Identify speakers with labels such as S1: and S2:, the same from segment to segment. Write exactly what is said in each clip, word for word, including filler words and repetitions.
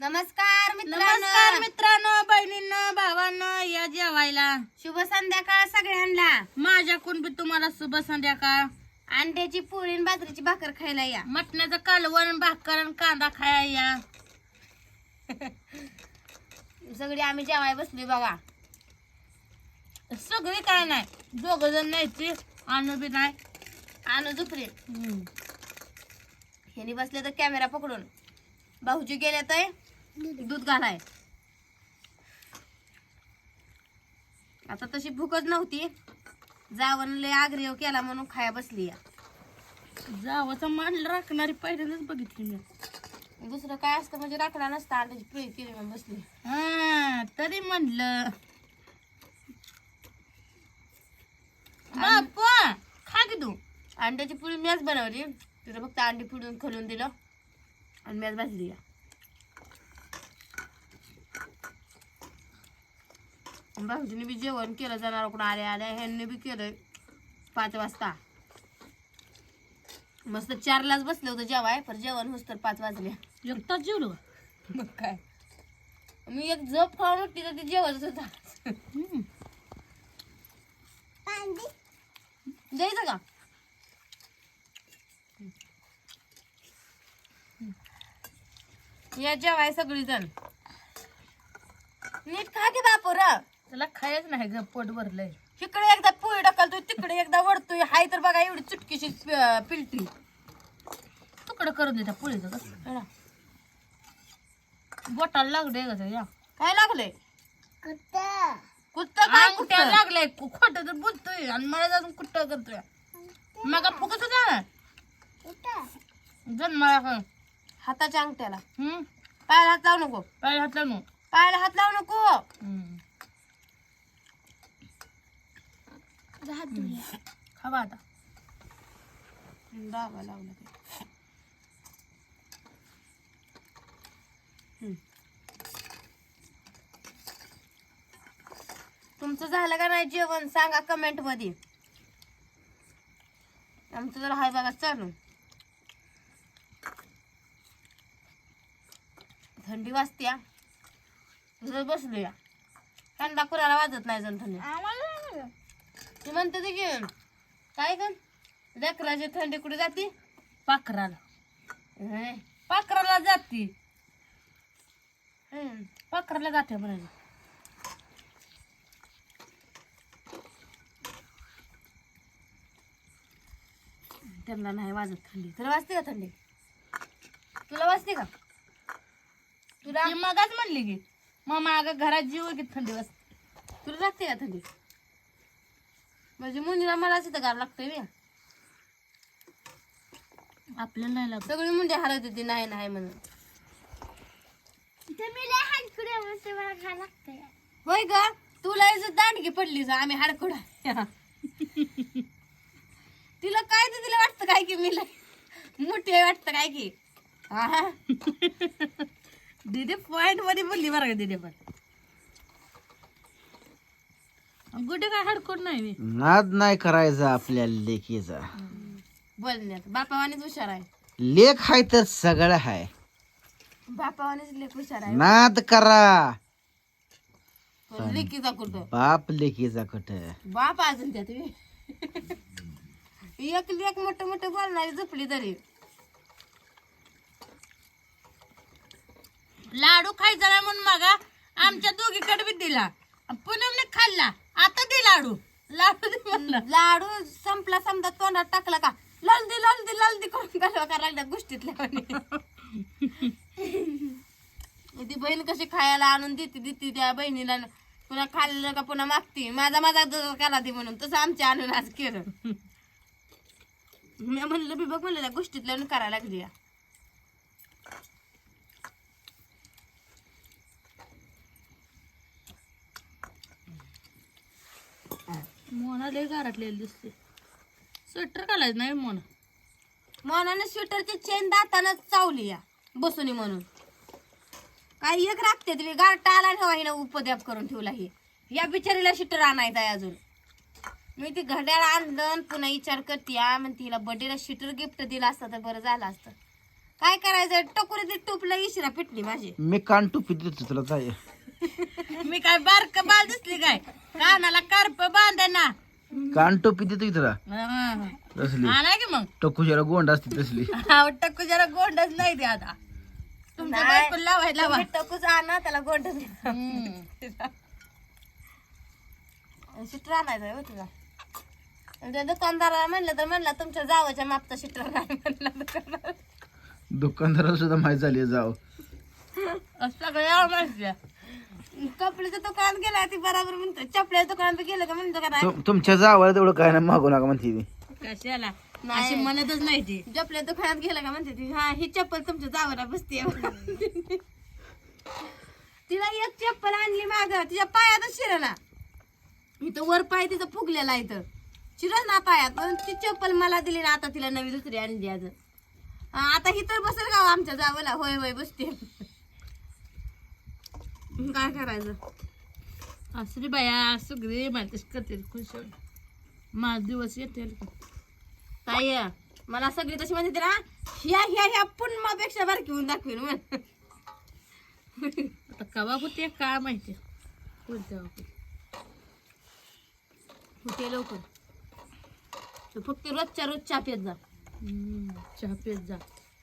S1: नमस्कार मित्रांनो,
S2: नमस्कार मित्रांनो, बहिणींनो, भावांनो, या जेवायला.
S1: शुभ संध्याकाळ सगळ्यांना.
S2: माझ्याकडून बी तुम्हाला शुभ संध्याकाळ.
S1: अंड्याची पोळी आणि बाजरीची भाकर खायला या.
S2: मटणाचं कालवण, भाकर आणि कांदा खाया या.
S1: सगळी आम्ही जेवाय बसली बघा.
S2: सगळी काय नाही, दोघ जण न्यायची, आणू बी नाही.
S1: आणू झुपरी ह्यानी बसले तर कॅमेरा पकडून. भाऊजी गेले तर दूध घालाय. आता तशी भूकच नव्हती, जावण लय आग्रह केला म्हणून खाया बसली या.
S2: जावाचं मान राखणारी पहिल्यांदाच बघितली मी.
S1: दुसरं काय असतं म्हणजे राखला नसता, अंड्याची पोळी केली म्हणून बसली.
S2: हा तरी म्हणलं बाप खा की तू.
S1: अंड्याची पोळी मॅच बनवली, तिथं फक्त अंडी फोडून खोलून दिलं आणि मॅच भाजली या. भाऊजीने बी जेवण केलं, जनावराकडून आले आले ह्यांनी बी केलंय पाच वाजता. मस्त चारलाच बसले होतं जेवाय, पण जेवण होस तर पाच वाजले.
S2: एक तास जेवलो.
S1: मग काय, मी एक झोप खाऊन उठली तर ती जेवणच होता. द्यायचं का? या जेवाय सगळी जण. नीट खा की बापूर.
S2: त्याला खायच नाही ग, पोट भरलंय.
S1: इकडे एकदा पोळी ढकलतोय, तिकडे एकदा वडतोय. हाय तर बघा एवढी चुटकीशी प- पिलटी.
S2: तुकडं करून देता पोळीचं कसं बोटाला लागले कसं या.
S1: काय लागलंय? कुत्ता काय
S2: अंगठ्या
S1: कुत्ता?
S2: लागलाय, खोट तर बोलतोय आणि मला अजून कुठं करतोय. मग फुकत होता जन्माला.
S1: हाताच्या अंगठ्याला.
S2: हम्म
S1: पायाला हात लावू नको.
S2: पाय हात लावून.
S1: पायाला हात लावू नको.
S2: खावा आता.
S1: दाबा लावला ते. हम्म. तुमचं झालं का नाही जेवण सांगा कमेंट मध्ये. आमचं जर हाय बघा चालू. थंडी वाजत्या, बसलो या. थंडा कुणाला वाजत नाही जण थंडी. ती म्हणते ते की काय ग लेकराची थंडी कुठे जाती?
S2: पाखराला.
S1: हं.
S2: पाखराला जाती.
S1: हं.
S2: पाखराला जाते म्हणाले.
S1: त्यांना नाही वाजत थंडी. तुला वाजते का थंडी? तुला वाजते का? तुला
S2: ती मगाच म्हणली की मग माग घरात जीव की थंडी वाजते.
S1: तुला लागते का थंडी? म्हणजे मुंडीला मलाच इथं गार लागतंय बे.
S2: आपल्याला नाही लागत.
S1: सगळी मुंडी हलत होती नाही नाही म्हणून. होय ग, तुला इथं दांडगी पडली जा आम्ही हाडकुडा. तिला काय ते तिला वाटतं काय की मी लय मोठी आहे वाटतं काय की. हा
S2: दीदी पॉइंट मध्ये बोलली बरं का दीदी. पण गुडे काय हडकोड नाही मी.
S3: नाद नाही करायचा आपल्या लेकीचा.
S1: बोलण्यात बापावानीच हुशार आहे.
S3: लेख हाय तर सगळं हाय.
S1: बापावानीच लेख हुशार आहे.
S3: नाद करा,
S1: पण लेकीचा कुठं
S3: बाप लेकीचा कुठ.
S1: बाप अजून त्यात बी. एक लेख मोठं मोठं बोलणारी झोपली तरी.
S2: लाडू खायचा नाही म्हणून मगा आमच्या दोघीकडे बी दिला. पुनमने खाल्ला, आता दे लाडू. लाडू दे म्हणलं.
S1: लाडू संपला समजा तोंडात टाकला का ललदी ललदी ललदी करून घालवा का लागल्या गोष्टीतल्या. ती बहीण कशी खायला आणून देते देते त्या बहिणीला. पुन्हा खाल्लं का पुन्हा मागती माझा माझा दूध करा दे म्हणून. तसं आमच्या आणून आज केलं. मी म्हणलं बी बघ म्हणलं त्या गोष्टीतल्या करायला लागली.
S2: मोना लय गारटलेली दिसते. स्वेटर घालायचं नाही मोना.
S1: मोनाने स्वेटरची चेन दातानं चावली या बसूनी म्हणून. काही एक राखते तुम्ही गारटा आला ठेवा हिनं उपद्याप करून ठेवला. ही या बिचारीला शिटर आणायचा आहे अजून. मी ती घड्याळ आणलं पुन्हा विचार करते या म्हणते हिला बर्थडेला शिटर गिफ्ट दिला असतं तर बरं झालं असतं. काय करायचं टकुरी ती टोपला इशिरा पिटली माझी.
S3: मी कान टोपी देतो तुला जाय.
S2: मी काय बारक बाल दिसली काय कानाला कार्प बांधे ना.
S3: कान टोपी देतो की तुला
S2: हा.
S3: तसली
S2: आणा की मग
S3: टकुशाला गोंड असते तसली.
S2: टक्कू जरा गोंडच नाही ते आता तुमच्या
S1: नाही.
S2: बायको लावायला लावा.
S1: तुम्ही टकूच आणा त्याला गोंड
S2: हम्म.
S1: शिटर आणायचं हो तुझा. त्या दुकानदाराला म्हणलं तर म्हणला तुमच्या जावाच्या मापचा शिटर नाही म्हणला दुकानदार.
S3: दुकानदाराला सुद्धा माहीत झाली जाव.
S2: सगळ्या माहिती आहे.
S1: कपड्याचं दुकान गेला ती बरोबर म्हणतो. चपल्याचं दुकानात गेलं का म्हणतो का नाही
S3: तुम- तुमच्या जावाला तेवढं काय नाही मागू नका म्हणते मी.
S2: कशाला
S1: नाही.
S2: अशी म्हणतच नाही ती.
S1: चपल्या दुकानात गेलं का म्हणते ती हा ही चप्पल तुमच्या जावाला बसते. तिला एक चप्पल आणली माग तिच्या पायातच शिरला. इथं वर पाय तिथं फुगलेला इथं शिरल ना पायात. पण ती चप्पल मला दिली ना आता तिला नवी दुसरी आणली आज. आता ही तर बसेल का हो आमच्या जावाला. होय होय बसते. काय करायचं
S2: असली बाया सगळे माहितीच करतील खुश माझ दिवस येतील.
S1: ताई मला सगळी तशी म्हणते ना ह्या ह्या ह्या पुन्मापेक्षा बारकी होऊन दाखवीन म्हण.
S2: आता कवा होते काय माहिती कोणत्या होते.
S1: होते लवकर. तू फक्त रोजच्या रोज चहा पेत जा.
S2: हम्म, चहा पेत जा.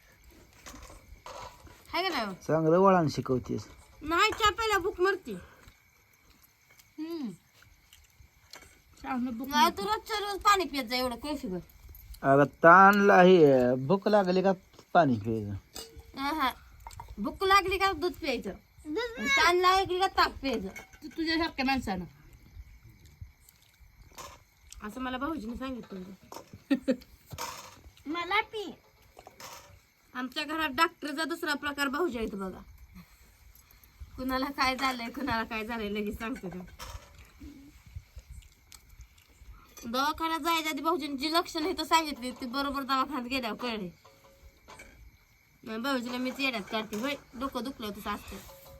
S1: हाय का नाही
S3: चांगलं वळण शिकवतेस.
S1: नाही चहा प्यायला भूक मरते.
S2: हम्म. चांगलं बुक
S1: नाही तू रोजच्या रोज पाणी पित जा एवढं कळशी भर.
S3: अगं ताणला हे भूक लागली का पाणी प्यायचं.
S1: हा भूक लागली का दूध प्यायचं. ताण लागली का ताक प्यायचं.
S2: तू तुझ्यासारख्या माणसानं
S1: असं मला भाऊजीने सांगितलं. मला पी. आमच्या घरात डॉक्टरचा दुसरा प्रकार भाऊजी आहेत बघा. कुणाला काय झालंय कुणाला काय झालंय लगेच सांगतो का. दवाखान्यात जायच्या आधी भाऊजीने जी लक्षणं इथं सांगितली ती बरोबर दवाखान्यात गेल्यावर कळले. मग भाऊजीला मीच येड्यात काढते. होय डोकं दुखलं तसं असतं.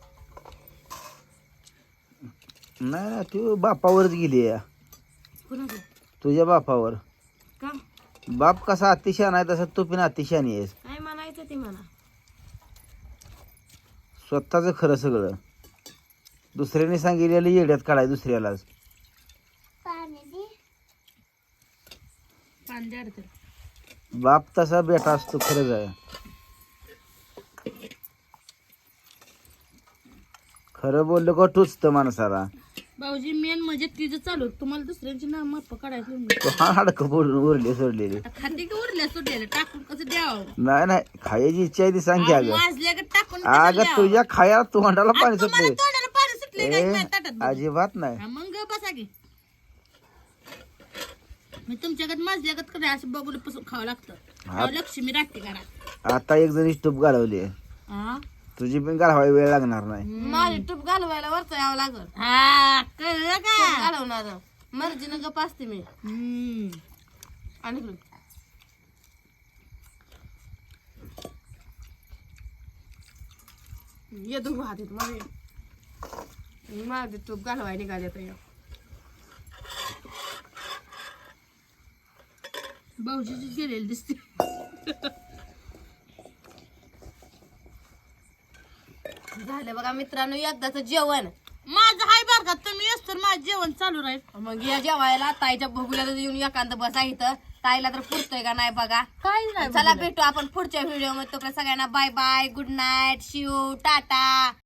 S3: नाही ना तू बापावरच गेली या.
S1: कुणाचं
S3: तुझ्या बापावर.
S1: का
S3: बाप कसा अतिशहाणा आहे तसा तू पण अतिशहाणी आहेस.
S1: काय म्हणायचं ते म्हणा.
S3: स्वतःच खरं सगळं दुसऱ्याने सांगितलेलं येड्यात काढाय दुसऱ्यालाच.
S2: पाणी द्या रे त्याला.
S3: बाप तसा बेटा असतो खरंच आहे. खरं बोललं का टुचतं माणसाला.
S2: भाऊजी मेन म्हणजे तिचं चालू तुम्हाला दुसऱ्यांची नाव माप काढायचं
S3: तो हा हाडकं बोलून उरले सोडलेले.
S2: खाते की उरल्या सुटलेलं टाकून कसं द्यावं.
S3: नाही नाही खायची इच्छा आहे ती सांग की अगं.
S2: माजल्या का टाकून कसं
S3: अगं
S2: द्यावं?
S3: तुझ्या खाया तोंडाला
S2: आ,
S3: पाणी
S2: तुम्हाला
S3: सुटले.
S2: तोंडाला पाणी सुटले काय
S3: ए,
S2: काय ताटात बघून?
S3: अजिबात नाही.
S2: हा, मग बसा की मी तुमच्याकडे माजल्यागत करे असं बघून पासून खावं लागतं. तेव्हा लक्ष्मी राहते घरात.
S3: आता एक जण स्टूप घालवली
S2: हा
S3: तुझी पण घालवायला वेळ लागणार नाही.
S1: माझी टूप घालवायला वरचं यावं लागल.
S2: हा, कळलं का
S1: घालवणार मर्जीनं गप असते मी.
S2: हम्म.
S1: आणि इकडून. ये दोघं हात येत माझे माझे टूप घालवाय निघाले तर
S2: भाऊजीची गेलेली दिसते.
S1: झालं बघा मित्रांनो एकदाच जेवण.
S2: माझं हाय बर का तुम्ही येस तर माझं जेवण चालू राहील.
S1: मग या जेवायला ताईच्या बघूला येऊन एखाद बसा इथं. ताईला तर पुरतोय का नाही बघा.
S2: काय नाही
S1: चला भेटू आपण पुढच्या व्हिडिओ मध्ये. तोपर्यंत सगळ्यांना bye bye good night Shiv Tata.